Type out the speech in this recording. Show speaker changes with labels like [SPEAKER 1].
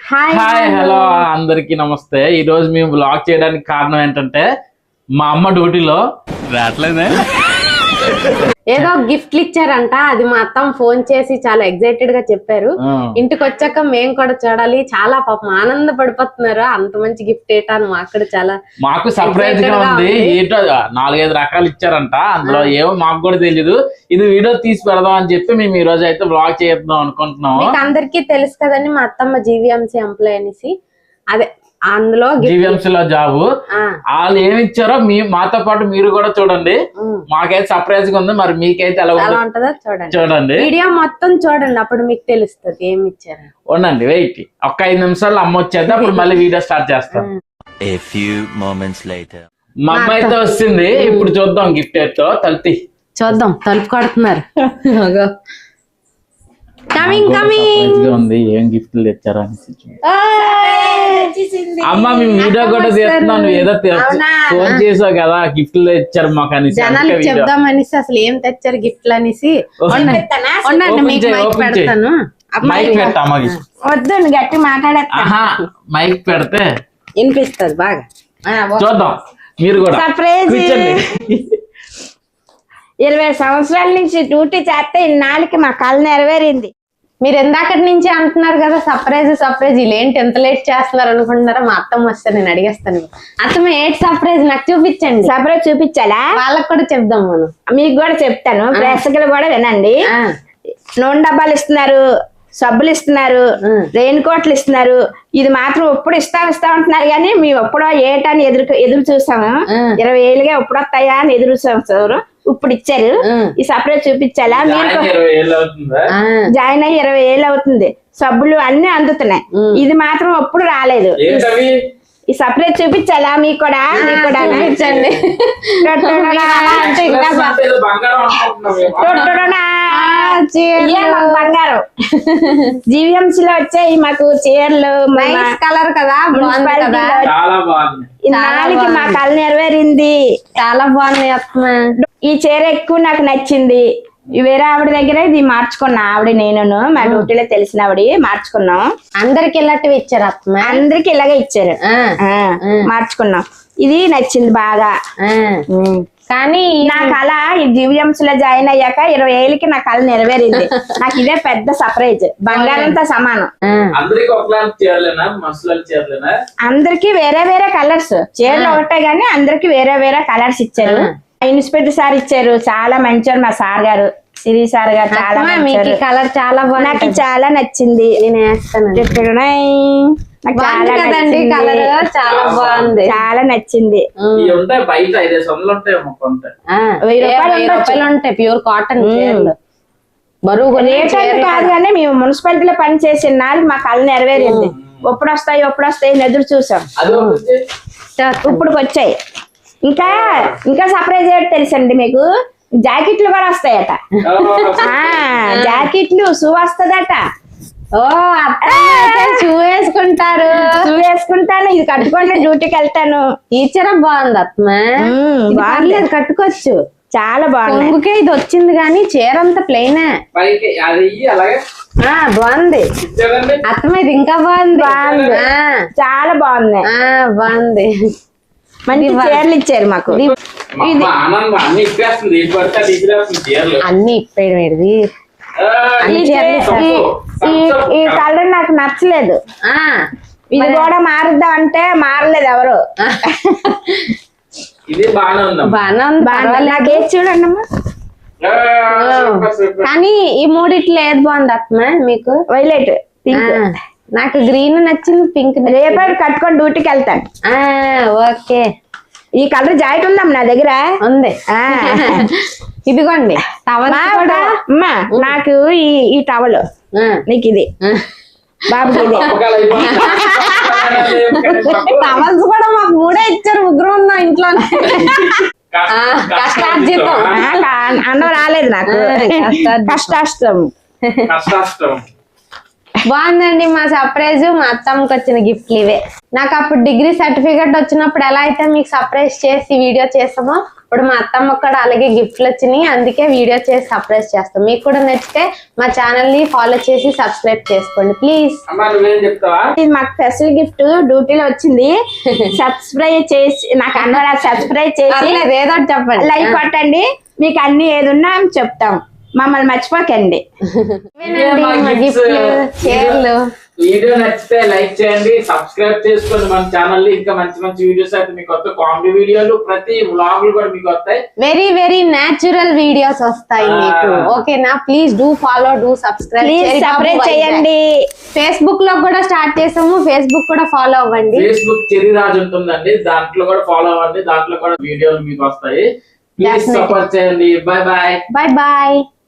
[SPEAKER 1] Hi hello అందరికి నమస్తే. ఈ రోజు మేము బ్లాగ్ చేయడానికి కారణం ఏంటంటే మా అమ్మ డ్యూటీలో రావట్లేదే
[SPEAKER 2] ఏదో గిఫ్ట్లు ఇచ్చారంట. అది మా అత్తమ్మ ఫోన్ చేసి చాలా ఎక్సైటెడ్ గా చెప్పారు. ఇంటికి వచ్చాక మేము కూడా చూడాలి, చాలా పాపం ఆనంద పడిపోతున్నారు. అంత మంచి గిఫ్ట్ ఏటాను
[SPEAKER 1] మాకు సర్ప్రైజ్ గా ఉంది. ఏంటో 4-5 రకాలు ఇచ్చారంట. అందులో ఏమో మాకు కూడా తెలీదు. ఇది వీడియో తీసి పెడదాం అని చెప్పి మేము ఈ రోజు అయితే బ్లాగ్ చేద్దాం అనుకుంటున్నాం.
[SPEAKER 2] అందరికీ తెలుసు కదండి, మా అత్తమ్మ జీవీఎంసీ ఎంప్లాయ్ అనేసి. అదే అందులో
[SPEAKER 1] జీవీఎంసీలో జాబు వాళ్ళు ఏమి ఇచ్చారో మాతో పాటు మీరు కూడా చూడండి. మాకైతే సర్ప్రైజ్ గా ఉంది. మరి మీకైతే ఎలా
[SPEAKER 2] ఉంటుందో చూడండి.
[SPEAKER 1] చూడండి
[SPEAKER 2] వీడియో మొత్తం చూడండి, అప్పుడు మీకు తెలుస్తుంది ఏమి ఇచ్చారు.
[SPEAKER 1] ఉండండి, వెయిట్. ఒక 5 నిమిషాలు అమ్మ వచ్చేది, అప్పుడు మళ్ళీ వీడియో స్టార్ట్ చేస్తాం. మా అమ్మ అయితే వస్తుంది. ఇప్పుడు చూద్దాం గిఫ్ట్ ఏంటో. తలుపు
[SPEAKER 2] చూద్దాం. తలుపు కొడుతున్నారు.
[SPEAKER 1] ఉంది ఏం గిఫ్ట్లు తెచ్చారా అమ్మ. మేము వీడియో కూడా తీస్తున్నాను. ఏదో ఫోన్ చేసావు కదా గిఫ్ట్లు తెచ్చారు మాకు అని
[SPEAKER 2] చెప్దాం అనేసి. అసలు ఏం తెచ్చారు గిఫ్ట్లు అనేసి. పెడతాను.
[SPEAKER 1] మైక్ పెట్టా అమ్మకి.
[SPEAKER 2] వద్దు, గట్టి మాట్లాడేస్తా.
[SPEAKER 1] మైక్ పెడితే
[SPEAKER 2] వినిపిస్తుంది బాగా.
[SPEAKER 1] చూద్దాం. మీరు కూడా
[SPEAKER 2] సర్ప్రైజ్. 20 సంవత్సరాల నుంచి డ్యూటీ చేస్తే ఇన్నాళ్ళకి మా కళ నెరవేరింది. మీరు ఎందాకటి నుంచి అంటున్నారు కదా సర్ప్రైజ్ వీళ్ళేంటి ఎంత లేట్ చేస్తున్నారు అనుకుంటున్నారా? మా అత్తమ్మ వస్తే నేను అడిగేస్తాను. అత్తమ్మ ఏంటి సర్ప్రైజ్ నాకు చూపించండి. సర్ప్రైజ్ చూపించాలా? వాళ్ళకి కూడా చెప్దాం. మనం మీకు కూడా చెప్తాను. ప్రేక్షకులు కూడా వినండి. నూనె డబ్బాలు ఇస్తున్నారు, సబ్బులు ఇస్తున్నారు, రెయిన్ కోట్లు ఇస్తున్నారు. ఇది మాత్రం ఎప్పుడు ఇస్తా ఉంటున్నారు కానీ మేము ఎప్పుడో ఏటని ఎదురు చూసాము. 20 ఏళ్ళుగా ఎప్పుడు వస్తాయా అని ఎదురు చూసాము. ఇప్పుడు ఇచ్చారు. ఈ సపరేట్ చూపించాలా? మీరు జాయిన్ అయ్యి 20 ఏళ్ళు అవుతుంది. సబ్బులు అన్ని అందుతున్నాయి. ఇది మాత్రం ఎప్పుడు రాలేదు. ఈ సపరేట్ చూపించాలా? మీకు కూడా చూపించండి. బంగారం జీవీఎంసీలో వచ్చాయి మాకు చీరలు. కలర్ కదా, ఇన్నాళ్ళకి మా కళ నెరవేరింది. చాలా బాగుంది. ఈ చీర ఎక్కువ నాకు నచ్చింది. వేరే ఆవిడ దగ్గర ఇది మార్చుకున్నా. ఆవిడ నేను మా డ్యూటీలో తెలిసిన ఆవిడ మార్చుకున్నాం. అందరికి ఇలాంటివి ఇచ్చారు అత్తమ్మ. అందరికి ఇలాగే ఇచ్చారు. మార్చుకున్నాం. ఇది నచ్చింది బాగా. కానీ నా కళ ఈ జీవీఎంసీలో జాయిన్ అయ్యాక 20 ఏళ్ళకి నా కళ నెరవేరింది. నాకు ఇదే పెద్ద సర్ప్రైజ్. బంగారంతో సమానం. అందరికి వేరే వేరే కలర్స్. చీరలు ఒకటే గానీ అందరికి వేరే వేరే కలర్స్ ఇచ్చారు. ఇన్స్పెక్టర్ సార్ ఇచ్చారు. చాలా మంచివారు మా సార్ గారు, సిరి సార్ గారు. చాలా కలర్ చాలా బాగుంది. నాకు చాలా నచ్చింది. నేను వేస్తాను. చాలా బాగుంది. చాలా నచ్చింది. 1000 రూపాయలు ఉంటాయి. ప్యూర్ కాటన్ చీరలు. బరువు కాదు కానీ మేము మున్సిపాలిటీలో పని చేసిన నాడు మా కళ నెరవేరింది. ఎప్పుడు వస్తాయి ఎదురు చూసాం. ఇప్పుడు వచ్చాయి. ఇంకా సర్ప్రైజ్ ఏంటి తెలుసండి మీకు? జాకెట్లు కూడా వస్తాయట. జాకెట్లు షూ వస్తుందట. ఓ షూ వేసుకుంటారు. షూ వేసుకుంటాను. ఇది కట్టుకొని డ్యూటీకి వెళ్తాను. ఈ చీర బాగుంది అత్మ. బాగుంది, కట్టుకోవచ్చు. చాలా బాగుంది. ఇది వచ్చింది కానీ చీర అంతా ప్లెయిన్. బాగుంది అత్తమ్మ. ఇది ఇంకా బాగుంది. చాలా బాగుంది. బాగుంది. మంచి చీరలు ఇచ్చారు మాకు. అన్ని ఇప్పేది. ఈ కలర్ నాకు నచ్చలేదు. ఇది కూడా మారుద్దాం అంటే మారలేదు ఎవరు. బాగానే చూడండి అమ్మా. కానీ ఈ మూడిట్లో ఏది బాగుంది అత్తమ్మ మీకు? Violet, pink. నాకు గ్రీన్ నచ్చింది, పింక్. రేపు కట్టుకొని డ్యూటీకి వెళ్తాను. ఓకే. ఈ కలర్ జాకెట్ ఉందమ్మా నా దగ్గర. ఉంది. ఇదిగోండి టవల్. అమ్మా నాకు ఈ టవల్. నీకు ఇది బాబుకి ఇది. టవల్స్ కూడా మాకు 3 ఇచ్చారు. 3 ఉన్నాం ఇంట్లో. కష్టార్జితం. అన్నం రాలేదు నాకు. కష్టాష్టం. బాగుందండి మా సర్ప్రైజ్. మా అత్తమ్మకి వచ్చిన గిఫ్ట్లు ఇవే. నాకు అప్పుడు డిగ్రీ సర్టిఫికెట్ వచ్చినప్పుడు ఎలా అయితే మీకు సర్ప్రైజ్ చేసి వీడియో చేస్తామో ఇప్పుడు మా అత్తమ్మకి కూడా అలాగే గిఫ్ట్లు వచ్చినాయి. అందుకే వీడియో చేసి సర్ప్రైజ్ చేస్తాం. మీకు కూడా నచ్చితే మా ఛానల్ ని ఫాలో చేసి సబ్స్క్రైబ్ చేసుకోండి ప్లీజ్.
[SPEAKER 3] ఇది మాకు స్పెషల్ గిఫ్ట్ డ్యూటీలో వచ్చింది. సబ్స్క్రైబ్ చేసి నాకు అన్నారు సబ్స్క్రైబ్ చేసి
[SPEAKER 2] ఏదో ఒకటి చెప్పండి.
[SPEAKER 3] లైక్ కొట్టండి. మీకు అన్ని ఏదున్నా చెప్తాం. మమ్మల్ని మర్చిపోకండి.
[SPEAKER 2] ఇవేనండి మా గిఫ్ట్లు, చీరలు.
[SPEAKER 1] వీడియో నచ్చితే లైక్ చేయండి, సబ్స్క్రైబ్ చేసుకోండి మన ఛానల్ ని. ఇంకా మంచి మంచి వీడియోస్ అయితే మీకు వస్తాయి. కామెడీ వీడియోలు, ప్రతి వ్లాగులు కూడా మీకు వస్తాయి.
[SPEAKER 2] వెరీ వెరీ న్యాచురల్ వీడియోస్ వస్తాయి మీకు. ఓకేనా? Please do follow, do subscribe
[SPEAKER 3] చేయండి.
[SPEAKER 2] ఫేస్బుక్ లో కూడా స్టార్ట్ చేసాము. ఫేస్బుక్ కూడా ఫాలో అవ్వండి.
[SPEAKER 1] ఫేస్బుక్ చెరి రాజు ఉంటుందండి, దాంట్లో కూడా ఫాలో అవ్వండి. దాంట్లో కూడా వీడియోలు మీకు వస్తాయి. ప్లీజ్ సపోర్ట్ చేయండి. Bye bye.
[SPEAKER 2] Bye bye.